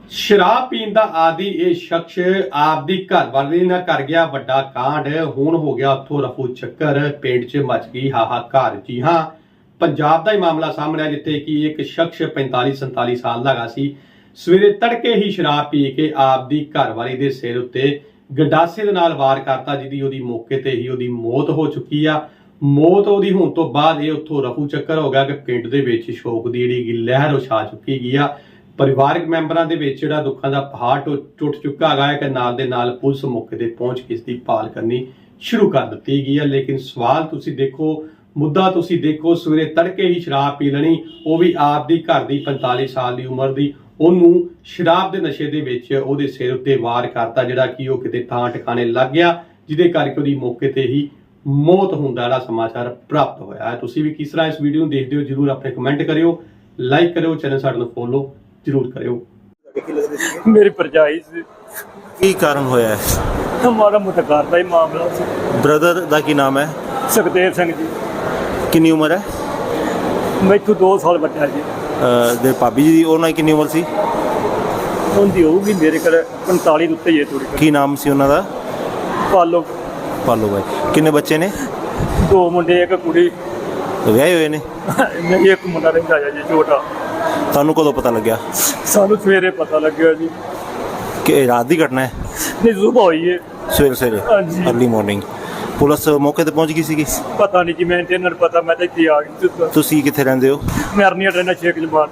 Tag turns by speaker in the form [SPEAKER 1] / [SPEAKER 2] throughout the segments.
[SPEAKER 1] शराब पीण दा आदि यह शख्स आपदी घरवाली नाल कर गया वड्डा कांड। हुण हो गया उत्थों रफू चक्कर, पिंड च मच गई हाहाकार। जी हाँ, पंजाब का ही मामला सामने आया जिथे कि एक शख्स 45-47 साल का सी। सवेरे तड़के ही शराब पी के आपदी घरवाली दे सिर उत्ते गंडासे दे नाल वार करता, जिहदी ओहदी मौके ते ही ओहदी मौत हो चुकी आ। मौत ओहदी होण तो बाद ये उत्थों रफू चक्कर हो गया कि पिंड दे विच शोक दी जिहड़ी लहर छा चुकी गई आ। परिवारक मैंबरां दे विच जिहड़ा दुखां दा पहाड़ टुट चुका है कि नाल दे नाल पुलिस मौके ते पहुंच के इसकी भाल करनी शुरू कर दी गई है। लेकिन सवाल तुसी देखो, मुद्दा तुसी देखो, सवेरे तड़के ही शराब पी लेनी, वो भी आप दी घर दी 45 साल की उम्र की, ਉਹਨੂੰ शराब के नशे ਦੇ ਵਿੱਚ ਉਹਦੇ सिर उत्ते वार करता, ਜਿਹੜਾ कि ਉਹ किते ਥਾਂ ਟਿਕਾਣੇ ਲੱਗ ਗਿਆ, ਜਿਹਦੇ ਕਰਕੇ ਉਹਦੀ मौके ਤੇ ही मौत होने का समाचार प्राप्त होया है। तुसी भी किस तरह इस वीडियो देखते हो जरूर अपने कमेंट करियो, लाइक करियो, चैनल साडे नूं फॉलो जरूर करियो।
[SPEAKER 2] मेरी भरजाई से
[SPEAKER 3] की कारण होया है?
[SPEAKER 2] हमारा मुतकार का ही मामला से।
[SPEAKER 3] ब्रदर दा की नाम है?
[SPEAKER 2] सुखदेव सिंह जी।
[SPEAKER 3] कितनी उम्र है?
[SPEAKER 2] मैथों 2 साल बच्चा जी।
[SPEAKER 3] दे भाभी जी उन्होंने कितनी उम्र सी?
[SPEAKER 2] उनकी होगी मेरे घर 45 उत्ते ही है थोड़ी।
[SPEAKER 3] की नाम सी उन्हों दा?
[SPEAKER 2] पालो।
[SPEAKER 3] पालो भाई। किन्ने बच्चे ने?
[SPEAKER 2] 2 मुंडे एक कुड़ी।
[SPEAKER 3] विआहे हुए ने?
[SPEAKER 2] एक मुंडा रहिंदा है जी छोटा।
[SPEAKER 3] तुहानू कदों पता लग्या?
[SPEAKER 2] सानू सवेरे पता लग्या जी
[SPEAKER 3] कि रात की घटना है?
[SPEAKER 2] नहीं, सुबह हुई है।
[SPEAKER 3] सवेरे सवेरे
[SPEAKER 2] हाँ जी।
[SPEAKER 3] अर्ली मॉर्निंग पुलिस मौके ते पहुंच गई सी?
[SPEAKER 2] पता नहीं जी, मैं इन्हें पता, मैं तो इत्थे आ गई।
[SPEAKER 3] तुसी कित्थे रहिंदे हो?
[SPEAKER 2] मैं अरनिया रहना शेख जमान।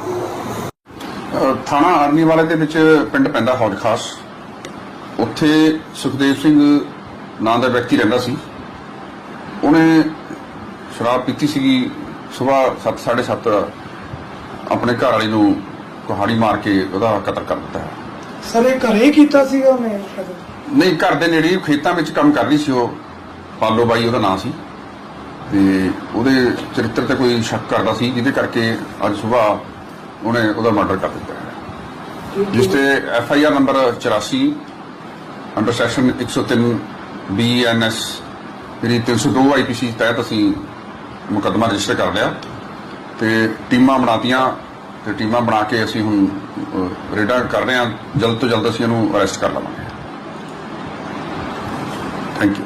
[SPEAKER 4] थाना आर्मी वाले ਦੇ ਵਿੱਚ ਪਿੰਡ ਪੈਂਦਾ ਹੌਜ ਖਾਸ। ਉੱਥੇ ਸੁਖਦੇਵ ਸਿੰਘ ਨਾਂ ਦਾ ਵਿਅਕਤੀ ਰਹਿੰਦਾ ਸੀ। ਉਹਨੇ ਸ਼ਰਾਬ ਪੀਤੀ ਸੀਗੀ। ਸਵੇਰ 7:30 ਆਪਣੇ ਘਰ ਵਾਲੀ ਨੂੰ ਕੁਹਾੜੀ ਮਾਰ ਕੇ ਉਹਦਾ ਕਤਲ ਕਰ ਦਿੱਤਾ ਹੈ।
[SPEAKER 5] ਸਰ ਇਹ ਘਰੇ ਕੀਤਾ ਸੀਗਾ ਉਹਨੇ?
[SPEAKER 4] ਨਹੀਂ, ਘਰ ਦੇ ਨੇੜੇ ਖੇਤਾਂ ਵਿੱਚ ਕੰਮ ਕਰਦੀ ਸੀ ਉਹ। ਪਾਲੋ ਬਾਈ ਉਹਦਾ ਨਾਂ ਸੀ ਤੇ ਉਹਦੇ ਚਰਿੱਤਰ ਤੇ ਕੋਈ ਸ਼ੱਕ ਕਰਦਾ ਸੀ, ਜਿਹਦੇ ਕਰਕੇ ਅੱਜ ਸਵੇਰ ਉਹਨੇ ਉਹਦਾ ਮਰਡਰ ਕਰ ਦਿੱਤਾ ਹੈ, ਜਿਸ ਤੇ FIR number 84 under section 103 BNS ਜਿਹੜੀ 302 IPC ਤਹਿਤ ਅਸੀਂ ਮੁਕੱਦਮਾ ਰਜਿਸਟਰ ਕਰ ਲਿਆ ਤੇ ਟੀਮਾਂ ਬਣਾਤੀਆਂ ਤੇ ਟੀਮਾਂ ਬਣਾ ਕੇ ਅਸੀਂ ਹੁਣ ਰੇਡਾਂ ਕਰ ਰਹੇ ਹਾਂ। ਜਲਦ ਤੋਂ ਜਲਦ ਅਸੀਂ ਇਹਨੂੰ ਅਰੈਸਟ ਕਰ ਲਵਾਂਗੇ। Thank you.